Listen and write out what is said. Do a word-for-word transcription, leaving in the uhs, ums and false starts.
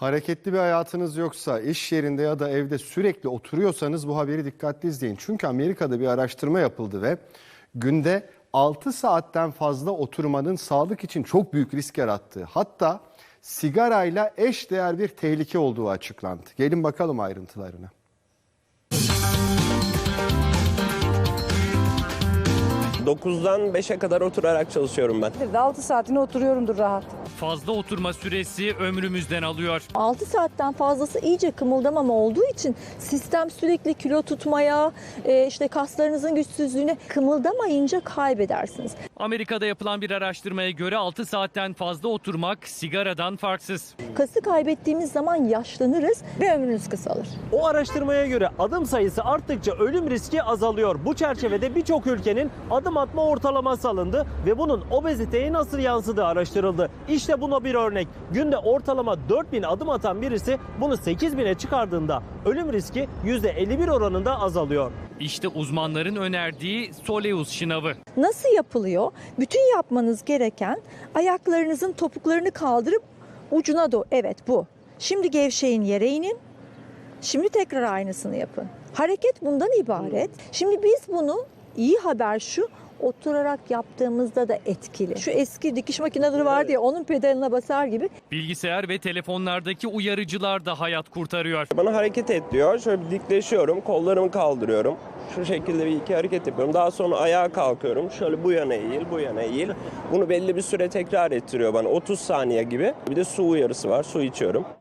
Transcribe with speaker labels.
Speaker 1: Hareketli bir hayatınız yoksa, iş yerinde ya da evde sürekli oturuyorsanız bu haberi dikkatli izleyin. Çünkü Amerika'da bir araştırma yapıldı ve günde altı saatten fazla oturmanın sağlık için çok büyük risk yarattığı, hatta sigarayla eşdeğer bir tehlike olduğu açıklandı. Gelin bakalım ayrıntılarına.
Speaker 2: dokuzdan beşe kadar oturarak çalışıyorum ben.
Speaker 3: altı saatini oturuyorumdur rahat.
Speaker 4: Fazla oturma süresi ömrümüzden alıyor.
Speaker 5: altı saatten fazlası iyice kımıldamama olduğu için sistem sürekli kilo tutmaya, e, işte kaslarınızın güçsüzlüğüne, kımıldamayınca kaybedersiniz.
Speaker 4: Amerika'da yapılan bir araştırmaya göre altı saatten fazla oturmak sigaradan farksız.
Speaker 5: Kası kaybettiğimiz zaman yaşlanırız ve ömrünüz kısalır.
Speaker 6: O araştırmaya göre adım sayısı arttıkça ölüm riski azalıyor. Bu çerçevede birçok ülkenin adım atma ortalaması alındı ve bunun obeziteye nasıl yansıdığı araştırıldı. İşte buna bir örnek. Günde ortalama dört bin adım atan birisi bunu sekiz bine çıkardığında ölüm riski yüzde elli bir oranında azalıyor.
Speaker 4: İşte uzmanların önerdiği Soleus şınavı.
Speaker 5: Nasıl yapılıyor? Bütün yapmanız gereken ayaklarınızın topuklarını kaldırıp ucuna doğru. Evet, bu. Şimdi gevşeyin, yere inin. Şimdi tekrar aynısını yapın. Hareket bundan ibaret. Şimdi biz bunu, iyi haber şu, oturarak yaptığımızda da etkili. Şu eski dikiş makineleri vardı ya, onun pedalına basar gibi.
Speaker 4: Bilgisayar ve telefonlardaki uyarıcılar da hayat kurtarıyor.
Speaker 2: Bana hareket et diyor. Şöyle bir dikleşiyorum, kollarımı kaldırıyorum. Şu şekilde bir iki hareket yapıyorum. Daha sonra ayağa kalkıyorum. Şöyle bu yana eğil, bu yana eğil. Bunu belli bir süre tekrar ettiriyor bana. otuz saniye gibi. Bir de su uyarısı var. Su içiyorum.